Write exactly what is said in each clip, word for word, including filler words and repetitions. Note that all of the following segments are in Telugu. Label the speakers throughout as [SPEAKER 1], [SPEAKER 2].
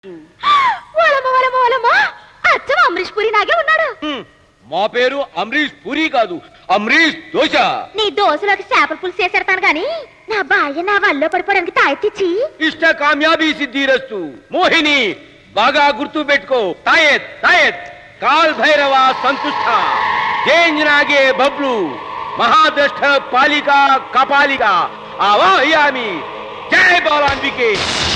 [SPEAKER 1] అమరీష్ పూరి నాగే ఉన్నాడు.
[SPEAKER 2] మా పేరు అమరీష్ పూరి కాదు, అమరీష్ దోశ.
[SPEAKER 1] నీ దోశలోకి చేపల పులుసు చేసేడతాను గాని నా భార్య నా వల్ల పడిపోవడానికి తాయెత్తిచ్చి
[SPEAKER 2] ఇష్ట కామ్యాబీ సిద్ధిరస్తు. మోహిని బాగా గుర్తు పెట్టుకో. తాయెత్ తాయెత్ కాల్ భైరవ సంతుష్ట జేంజనాగే బబ్లు మహాద్రష్ట పాలిక కపాలిక ఆవాహయామి. జై బాలాంబికే.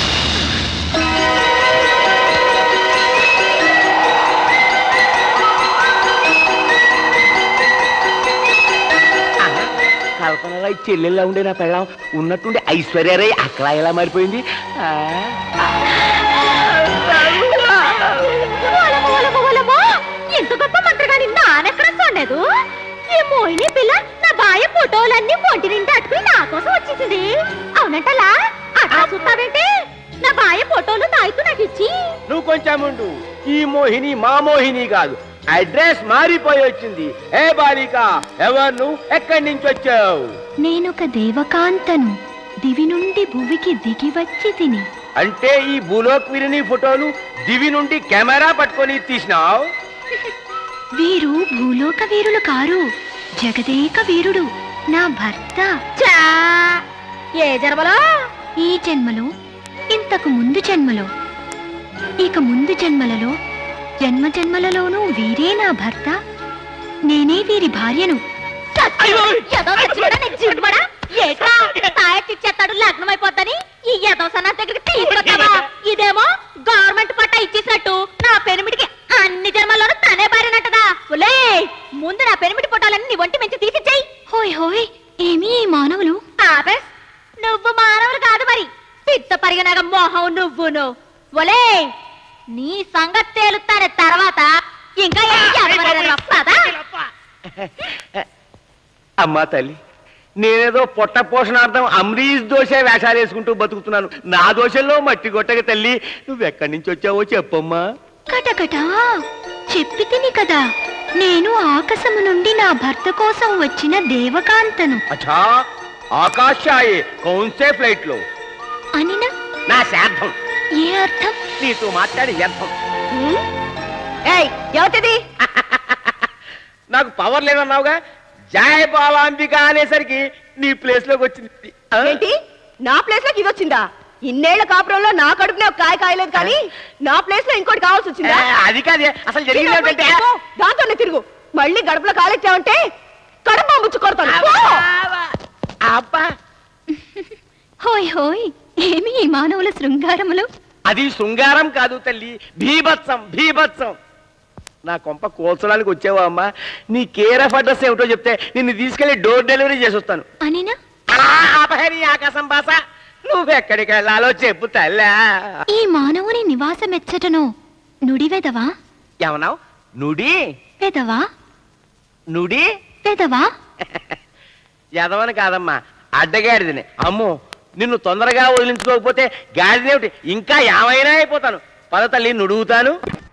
[SPEAKER 2] కల్పనలో చెల్లెల్లా ఉండే నా పెళ్ళం ఉన్నట్టుండి ఐశ్వర్యరాయ్ అక్కడ ఎలా మారిపోయింది.
[SPEAKER 1] ఎంత గొప్ప మంత్రగాని నానెక్కడ చూడలేదు. ఈ మోహిని పిల్ల నా బాయ ఫోటోలన్నీ ఒంటి నిండి అట్టుకుని నా కోసం వచ్చేసింది. అవునంటలా అట్లా చూస్తావేంటి? నా బాయ ఫోటోలు తాయితూ నాకు ఇచ్చి.
[SPEAKER 2] నువ్వు కొంచెం ఉండు. ఈ మోహిని మా మోహిని కాదు, అడ్రస్ మారిపోయి వచ్చింది. ఏ బాలిక, ఎవరు నువ్వు? ఎక్కడి నుంచి వచ్చావు?
[SPEAKER 1] నేనొక దేవకాంతను, దివి నుండి భువికి దిగి వచ్చి తిని.
[SPEAKER 2] అంటే ఈ భూలోక్ వీరిని ఫోటోలు దివి నుండి కెమెరా పట్టుకొని తీసినావు?
[SPEAKER 1] వీరు భూలోక వీరులు కారు, జగదేక వీరుడు నా భర్త. ఏ జన్మలో? ఈ జన్మలో, ఇంతకు ముందు జన్మలో, ఇక ముందు జన్మలలో, జన్మ జన్మలలోనూ వీరే నా భర్త, నేనే వీరి భార్యను. తాయెత్తిచ్చేస్తాడు లగ్నం అయిపోద్దని ఈ యదో సన్నా దగ్గరికి తీసుకొస్తావా? ఇదేమో గవర్నమెంట్ పట్టా ఇచ్చేసినట్టు నా పెనిమిడికి అన్ని జన్మల్లోనూ తనే భార్యనంటదా? ముందు నా పెనిమిడి ఫోటోలన్నీ నీ ఒంటి మంచి తీసిచ్చాయి. హోయ్ హోయ్, ఏమి ఈ మానవులు? ఆపేస్, నువ్వు మానవులు కాదు మరి, పిత్త పరిగనగ మోహం నువ్వును. ఒలే, నీ సంగతి తేలుతానే తర్వాత. ఇంకా
[SPEAKER 2] అమ్మా తల్లి, నేనేదో పొట్ట పోషణార్థం అమరీష్ దోశ వేషాలు వేసుకుంటూ బతుకుతున్నాను. నా దోశల్లో మట్టి కొట్టక తల్లి, నువ్వెక్కడి నుంచి వచ్చావో చెప్పమ్మా.
[SPEAKER 1] కటకట చెప్పి తిని కదా, నేను ఆకాశము నుండి నా భర్త కోసం వచ్చిన దేవకాంతను.
[SPEAKER 2] అచ్చా, ఆకాశాయే కౌన్సే ఫ్లైట్ లో
[SPEAKER 1] అనినా?
[SPEAKER 2] నా శార్థం.
[SPEAKER 1] ఏ అర్థం?
[SPEAKER 2] నీతో మాట్లాడి వ్యర్థం.
[SPEAKER 1] ఎవరిది?
[SPEAKER 2] నాకు పవర్ లేదన్నావుగా, జయ బాలాంబిక అనేసరికి నీ ప్లేస్ లోకి వచ్చింది.
[SPEAKER 3] ఏంటి నా ప్లేస్ లోకి ఇది వచ్చిందా? ఇన్నేళ్ల కాపురంలో నా కడుపునే ఒక కాయ కాయలేదు కానీ నా ప్లేస్ లో ఇంకోటి కావాల్సి వచ్చిందా?
[SPEAKER 2] అది కాదే, అసలు జరిగింది ఏంటంటే
[SPEAKER 3] దాంతోనే తిరుగు. మళ్ళీ గడపలో కాలెట్టావంటే కడుపు ముచ్చు కొడతాను.
[SPEAKER 2] అబ్బా,
[SPEAKER 1] హోయ్ హోయ్, ఏమి ఈ మానవుల శృంగారములు?
[SPEAKER 2] అది శృంగారం కాదు తల్లి, భీభత్సం భీభత్సం. నా కొంప కోల్చడానికి వచ్చావా అమ్మా? నీ కేర్ ఆఫ్ అడ్రస్ ఏమిటో చెప్తే నిన్ను తీసుకెళ్లి డోర్ డెలివరీ చేసి వస్తాను.
[SPEAKER 1] అనినా?
[SPEAKER 2] ఆపహరి ఆకాశం భాష, నువ్వెక్కడికి వెళ్ళాలో చెప్పు తల్లా.
[SPEAKER 1] ఈ మానవుని నివాసమెచ్చటను నుడివెదవా?
[SPEAKER 2] ఏమన్నావు? నుడి
[SPEAKER 1] వెదవా?
[SPEAKER 2] నుడి
[SPEAKER 1] వెదవా?
[SPEAKER 2] ఎదవని కాదమ్మా, అడ్డగాడిదని. అమ్మో, నిన్ను తొందరగా వదిలించుకోకపోతే గాడిదేమిటి ఇంకా ఏమైనా అయిపోతాను. పద తల్లి, నుడుగుతాను.